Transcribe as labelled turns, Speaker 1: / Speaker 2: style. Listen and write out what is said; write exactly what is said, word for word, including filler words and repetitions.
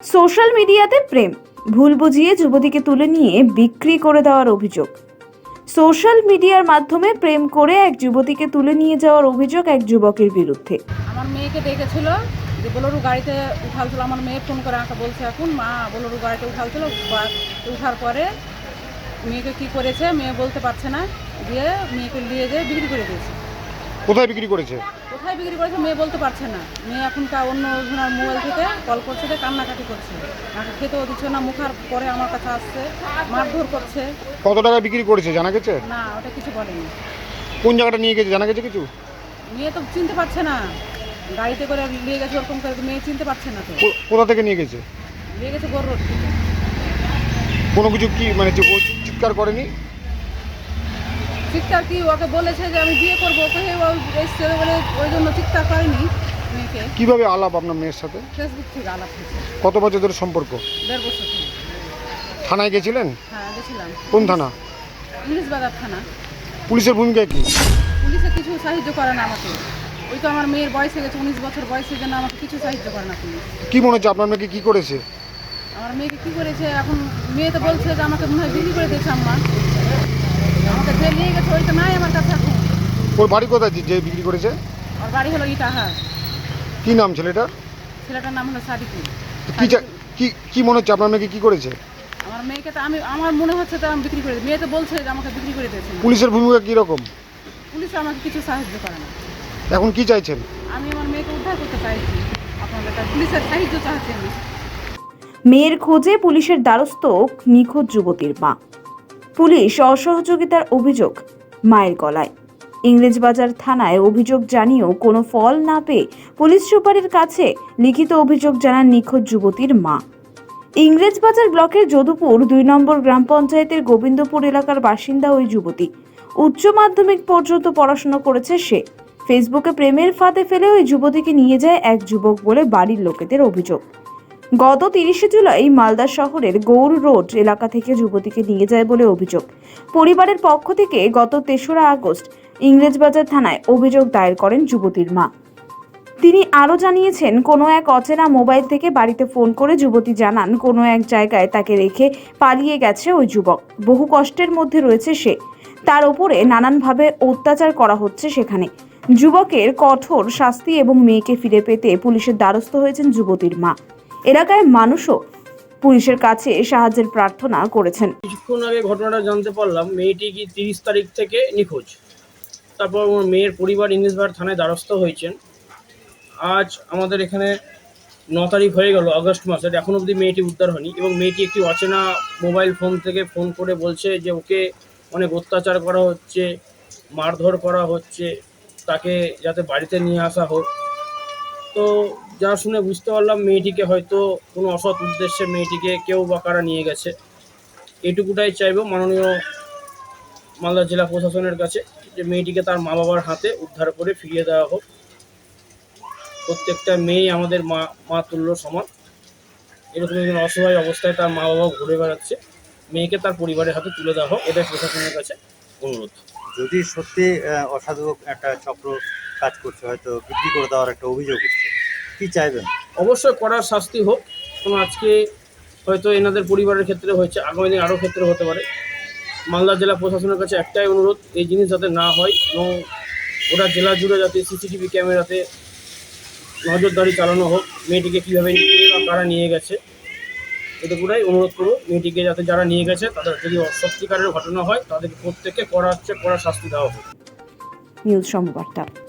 Speaker 1: Social মিডিয়াতে প্রেম ভুল বুঝিয়ে যুবতীকে তুলে নিয়ে বিক্রি করে দেওয়ার অভিযোগ। সোশ্যাল মিডিয়ার মাধ্যমে প্রেম করে এক যুবতীকে তুলে নিয়ে যাওয়ার অভিযোগ এক যুবকের বিরুদ্ধে।
Speaker 2: আমার মেয়েকে ডেকেছিল যে বোলেরো গাড়িতে উঠালছিল। আমার মেয়ে ফোন করে আমাকে বলছে এখন মা বোলেরো গাড়িতে উঠালছিল। উঠার পরে মেয়েকে কি করেছে মেয়ে বলতে পারছে না, দিয়ে মেয়েকে নিয়ে যেয়ে বিক্রি করে দিয়েছে।
Speaker 3: কোথায় বিক্রি করেছে?
Speaker 2: কোথায় বিক্রি করেছে মেয়ে বলতে পারছে না। মেয়ে এখনকার অন্য জনের মোবাইল থেকে কল করছে, কান্নাকাটি করছে, আমাকে খেতেও দিচ্ছে না। মুখার পরে আমার কাছে আসছে, মারধর করছে।
Speaker 3: কত টাকা বিক্রি করেছে জানা গেছে?
Speaker 2: না, ওটা কিছু বলেনি।
Speaker 3: কোন জায়গাটা নিয়ে গেছে জানা গেছে কিছু?
Speaker 2: মেয়ে তো চিনতে পারছে না, গাড়িতে করে নিয়ে গেছে ওরকম করে, মেয়ে চিনতে পারছে না। তো
Speaker 3: কোথা থেকে নিয়ে গেছে?
Speaker 2: নিয়ে গেছে গোর রোড থেকে।
Speaker 3: কোনো কিছু কি মানে ও চিৎকার করেনি?
Speaker 2: চিৎকার কি, ওকে বলেছে যে আমি বিয়ে করবো, ওকে এসছে বলে ওই জন্য চিৎকার করেনি। মেয়েকে
Speaker 3: কিভাবে আলাপ আপনার মেয়ের সাথে?
Speaker 2: ফেসবুক থেকে আলাপ হয়েছে।
Speaker 3: কত বছর ধরে সম্পর্ক?
Speaker 2: দেড় বছর থেকে।
Speaker 3: থানায় গেছিলেন?
Speaker 2: হ্যাঁ গেছিলাম।
Speaker 3: কোন থানা?
Speaker 2: ইংলিশ বাজার থানা।
Speaker 3: পুলিশের ভূমিকা কি?
Speaker 2: পুলিশে কিছু সাহায্য করে না আমাকে। ওই তো আমার মেয়ের বয়স হয়ে গেছে, উনিশ বছর বয়সের জন্য আমাকে কিছু সাহায্য করে না পুলিশ।
Speaker 3: কি মনে হচ্ছে আপনার মেয়েকে কি করেছে?
Speaker 2: আমার মেয়েকে কি করেছে এখন মেয়ে তো বলছে যে আমাকে মনে হয় বিক্রি করে দিয়েছে আম্মা। আমাকে যে নিয়ে গেছে ওই তো নাই আমার কাছে এখন।
Speaker 3: ওর বাড়ি কোথায় যে বিক্রি করেছে?
Speaker 2: ওর বাড়ি হলো ইটাহার।
Speaker 3: কি নাম ছেলেটার?
Speaker 2: ছেলেটার নাম হলো সাদিকুল।
Speaker 3: কি কি কি মনে হচ্ছে আপনার মেয়েকে কি করেছে?
Speaker 2: আমার মেয়েকে তো আমি আমার মনে হচ্ছে তো আমি বিক্রি করে দিই। মেয়ে তো বলছে যে আমাকে বিক্রি করে দিয়েছে।
Speaker 3: পুলিশের ভূমিকা কি রকম?
Speaker 2: পুলিশ আমাকে কিছু সাহায্য করে না।
Speaker 3: এখন কি চাইছেন?
Speaker 2: আমি আমার মেয়েকে উদ্ধার করতে চাইছি, আপনাদের কাছে পুলিশের সাহায্য চাইছি আমি।
Speaker 1: মেয়ের খোঁজে পুলিশের দ্বারস্থ নিখোঁজ যুবতীর মা। পুলিশ অসহযোগিতার অভিযোগ মায়ের গলায়। ইংরেজবাজার থানায় অভিযোগ জানিয়েও কোনো ফল না পেয়ে পুলিশ সুপারের কাছে লিখিত অভিযোগ জানান নিখোঁজ যুবতীর মা। ইংরেজবাজার ব্লকের যদুপুর দুই নম্বর গ্রাম পঞ্চায়েতের গোবিন্দপুর এলাকার বাসিন্দা ওই যুবতী। উচ্চ মাধ্যমিক পর্যন্ত পড়াশোনা করেছে সে। ফেসবুকে প্রেমের ফাঁদে ফেলে ওই যুবতীকে নিয়ে যায় এক যুবক বলে বাড়ির লোকেদের অভিযোগ। গত তিরিশে জুলাই মালদা শহরের গৌর রোড এলাকা থেকে যুবতীকে নিয়ে যায় বলে অভিযোগ। পরিবারের পক্ষ থেকে গত তেসরা আগস্ট ইংরেজবাজার থানায় অভিযোগ দায়ের করেন যুবতীর মা। তিনি আরও জানিয়েছেন, কোনো এক অচেনা মোবাইল থেকে বাড়িতে ফোন করে যুবতী জানান কোনো এক জায়গায় তাকে রেখে পালিয়ে গেছে ওই যুবক। বহু কষ্টের মধ্যে রয়েছে সে, তার উপরে নানানভাবে অত্যাচার করা হচ্ছে সেখানে। যুবকের কঠোর শাস্তি এবং মেয়েকে ফিরে পেতে পুলিশের দ্বারস্থ হয়েছেন যুবতীর মা। এলাকায় মানুষও পুলিশের কাছে সাহায্যের প্রার্থনা করেছেন।
Speaker 4: কিছুক্ষণ আগে ঘটনাটা জানতে পারলাম মেয়েটি কি তিরিশ তারিখ থেকে নিখোঁজ। তারপর মেয়ের পরিবার ইংরেজবাজার থানায় দ্বারস্থ হয়েছেন। আজ আমাদের এখানে ন তারিখ হয়ে গেল আগস্ট মাসের, এখন অবধি মেয়েটি উদ্ধার হয়নি। এবং মেয়েটি একটি অচেনা মোবাইল ফোন থেকে ফোন করে বলছে যে ওকে অনেক অত্যাচার করা হচ্ছে, মারধর করা হচ্ছে, তাকে যাতে বাড়িতে নিয়ে আসা হোক। তো যা শুনে বুঝতে পারলাম মেয়েটিকে হয়তো কোনো অসৎ উদ্দেশ্যে মেয়েটিকে কেউ বা কারা নিয়ে গেছে। এটুকুটাই চাইব মাননীয় মালদা জেলা প্রশাসনের কাছে যে মেয়েটিকে তার মা বাবার হাতে উদ্ধার করে ফিরিয়ে দেওয়া হোক। প্রত্যেকটা মেয়েই আমাদের মা মা তুল্য সমান। এরকম একজন অসহায় অবস্থায় তার মা বাবা ঘুরে বেড়াচ্ছে, মেয়েকে তার পরিবারের হাতে তুলে দেওয়া হোক, এটাই প্রশাসনের কাছে অনুরোধ।
Speaker 5: যদি সত্যি অসাধু একটা চক্র কাজ করছে, হয়তো বিক্রি করে দেওয়ার একটা অভিযোগ উঠছে, কী চাইবেন?
Speaker 4: অবশ্যই কড়া শাস্তি হোক। কারণ আজকে হয়তো এনাদের পরিবারের ক্ষেত্রে হয়েছে, আগামী দিন আরও ক্ষেত্রে হতে পারে। মালদা জেলা প্রশাসনের কাছে একটাই অনুরোধ, এই জিনিস যাতে না হয় এবং ওটা জেলা জুড়ে যাতে সিসিটিভি ক্যামেরাতে নজরদারি চালানো হোক। মেয়েটিকে কীভাবে নিয়ে বা কারা নিয়ে গেছে এটুকুটাই অনুরোধ করব। মেয়েটিকে যাতে যারা নিয়ে গেছে তাদের যদি সত্যিকারের ঘটনা হয় তাদেরকে প্রত্যেককে কড়া হচ্ছে কড়া শাস্তি দেওয়া হোক।
Speaker 1: নিউজ সংবাদটা।